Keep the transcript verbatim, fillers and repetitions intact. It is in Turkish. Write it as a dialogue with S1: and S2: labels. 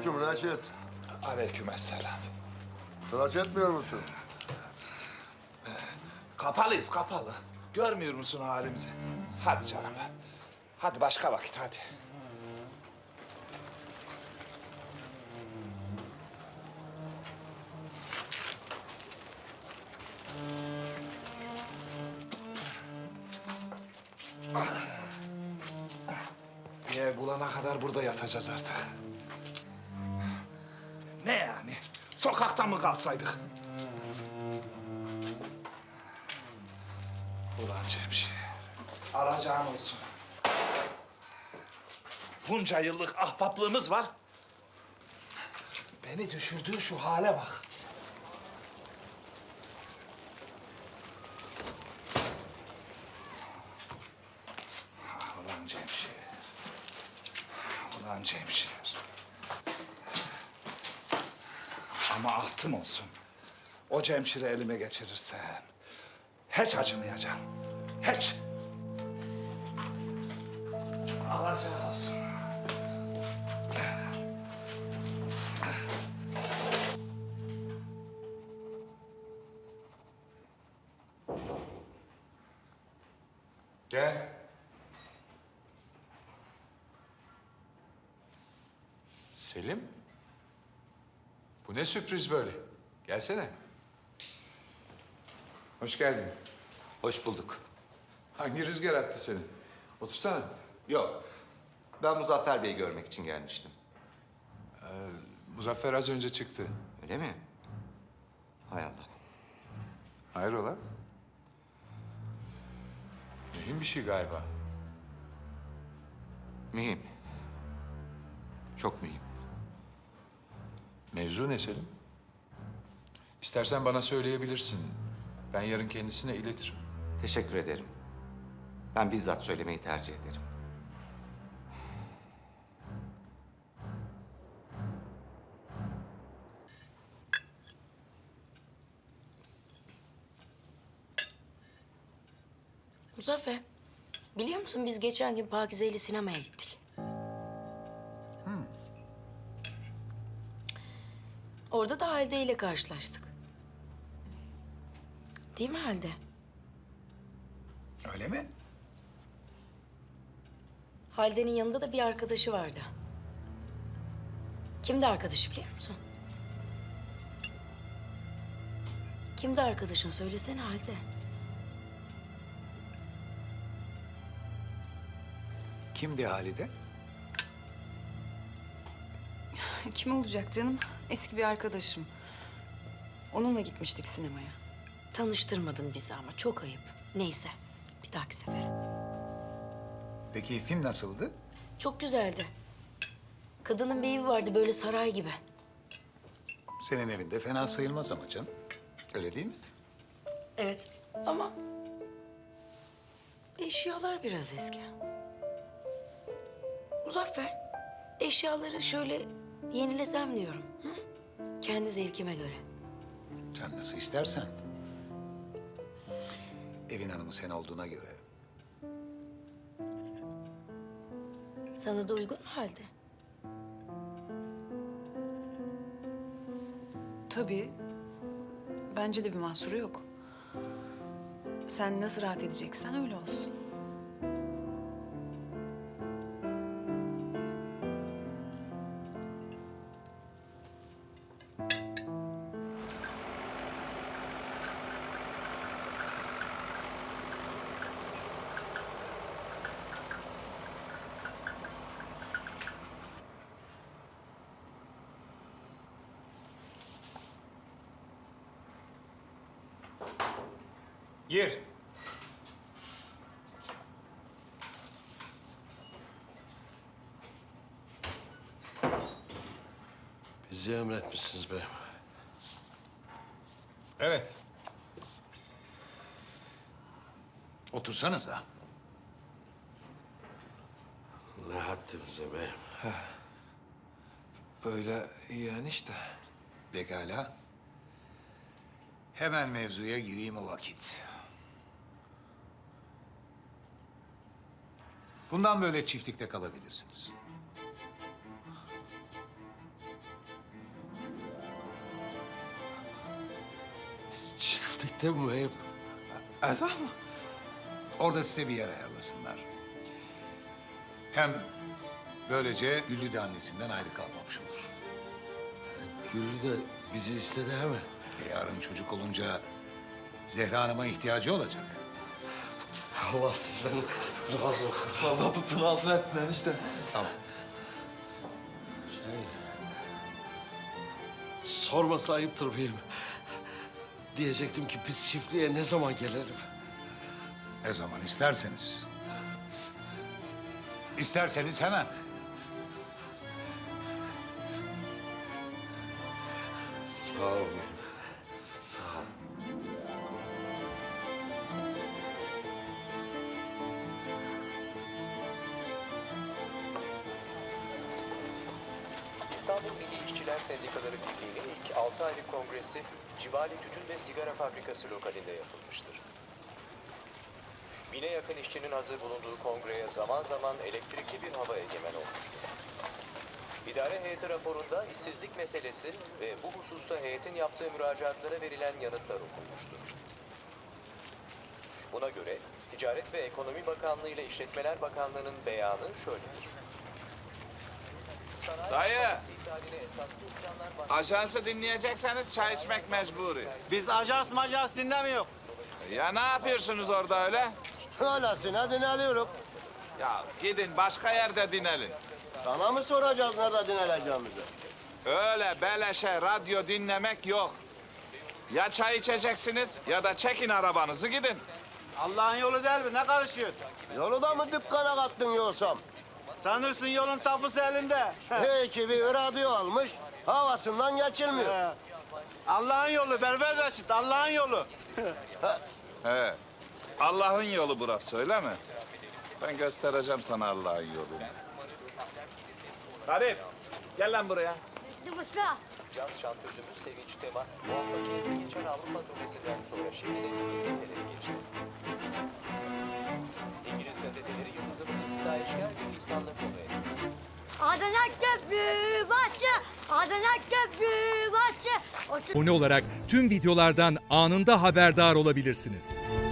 S1: Selamünaleyküm Raşit.
S2: Aleykümselam.
S1: Tıraş etmiyor musun?
S2: Kapalıyız, kapalı. Görmüyor musun halimizi? Hadi canım. Hadi başka vakit, hadi. Bir ev bulana kadar burada yatacağız artık. Ne yani? Sokakta mı kalsaydık? Ulan Cemşir, alacağın olsun. Bunca yıllık ahbaplığımız var. Beni düşürdüğü şu hale bak. Ulan Cemşir. Ulan Cemşir. Ama ahtım olsun. O Cemşir'i elime geçirirsem hiç acımayacağım. Hiç. Alacağın olsun.
S3: Gel. Selim. Bu ne sürpriz böyle? Gelsene. Hoş geldin.
S4: Hoş bulduk.
S3: Hangi rüzgar attı seni? Otursana.
S4: Yok, ben Muzaffer Bey'i görmek için gelmiştim.
S3: Muzaffer az önce çıktı.
S4: Öyle mi? Hay Allah.
S3: Hayrola? Mühim bir şey galiba.
S4: Mühim. Çok mühim.
S3: Mevzu ne Selim? İstersen bana söyleyebilirsin. Ben yarın kendisine iletirim.
S4: Teşekkür ederim. Ben bizzat söylemeyi tercih ederim.
S5: Muzaffer, biliyor musun biz geçen gün Pakize ile sinemaya gittik. Orada da Halide ile karşılaştık. Değil mi Halide?
S2: Öyle mi?
S5: Halide'nin yanında da bir arkadaşı vardı. Kimdi arkadaşı biliyor musun? Kimdi arkadaşın? Söylesene Halide.
S2: Kimdi Halide?
S6: Kim olacak canım? Eski bir arkadaşım. Onunla gitmiştik sinemaya.
S5: Tanıştırmadın bizi ama çok ayıp. Neyse, bir dahaki sefere.
S2: Peki film nasıldı?
S5: Çok güzeldi. Kadının bir evi vardı böyle saray gibi.
S2: Senin evinde fena sayılmaz ama canım. Öyle değil mi?
S5: Evet ama eşyalar biraz eski. Muzaffer, eşyaları şöyle yenilesem diyorum. Hı? Kendi zevkime göre.
S2: Sen nasıl istersen. Evin hanımı sen olduğuna göre.
S5: Sana da uygun mu halde?
S6: Tabii. Bence de bir mahsuru yok. Sen nasıl rahat edeceksen öyle olsun.
S2: Gir.
S7: Bizi emretmişsiniz beyim.
S2: Evet. Otursanıza.
S7: Ne haddimize beyim.
S2: Böyle iyi enişte. Pekala. Hemen mevzuya gireyim o vakit. Bundan böyle çiftlikte kalabilirsiniz.
S7: Tuvalette mi beyim?
S2: Ezan mı?
S8: Orada size bir yer ayarlasınlar. Hem böylece Güllü de annesinden ayrı kalmamış olur.
S7: Güllü de bizi istedi hemen.
S8: E, yarın çocuk olunca Zehra Hanım'a ihtiyacı olacak.
S7: Allah sizden razı olsun.
S2: Allah tutun altına etsin enişte.
S8: Tamam.
S7: Şey... Sorması ayıptır beyim. Diyecektim ki biz çiftliğe ne zaman gelelim?
S8: Ne zaman isterseniz. İsterseniz hemen.
S7: Sağ ol beyim. Sağ ol.
S9: İstanbul Milli İşçiler Sendikaları Birliği'nin ilk altı aylık kongresi Civali Tütün ve Sigara Fabrikası lokalinde yapılmıştır. Bine yakın işçinin hazır bulunduğu kongreye zaman zaman elektrikli bir hava egemen olmuştur. İdare heyeti raporunda işsizlik meselesi ve bu hususta heyetin yaptığı müracaatlara verilen yanıtlar okunmuştur. Buna göre Ticaret ve Ekonomi Bakanlığı ile İşletmeler Bakanlığı'nın beyanı şöyledir. Sanayi
S2: Dayı!
S9: Bankası iptaline esaslı imkanlar var.
S2: Ajansı dinleyecekseniz çay içmek mecburi.
S10: Biz ajans majans dinlemiyor.
S2: Ya ne yapıyorsunuz orada öyle?
S1: Öylesine dinleniyoruz.
S2: Ya gidin başka yerde dinelin.
S1: Sana mı soracağız nerede dinleneceğimizi?
S2: Öyle beleşe radyo dinlemek yok. Ya çay içeceksiniz ya da çekin arabanızı gidin.
S10: Allah'ın yolu değil mi? Ne karışıyor?
S1: Yolu da mı dükkana kattın yoksam?
S10: Sanırsın yolun tapusu elinde.
S1: Hey ki bir radyo almış, havasından geçilmiyor.
S10: Allah'ın yolu Berber Reşit, Allah'ın yolu.
S2: He. Allah'ın yolu burası öyle mi? Ben göstereceğim sana Allah'ın yolunu. Garip, gel lan buraya.
S9: Caz şantözümüz Sevinç Tema, bu haftaki geçen Avrupa turnesinden sonra şimdi de gazetelere geçti. İngiliz gazeteleri yıldızımızı stajyer ve lisanla konu etti.
S11: Adana Köprü başı, Adana Köprü başı.
S12: Abone olarak tüm videolardan anında haberdar olabilirsiniz.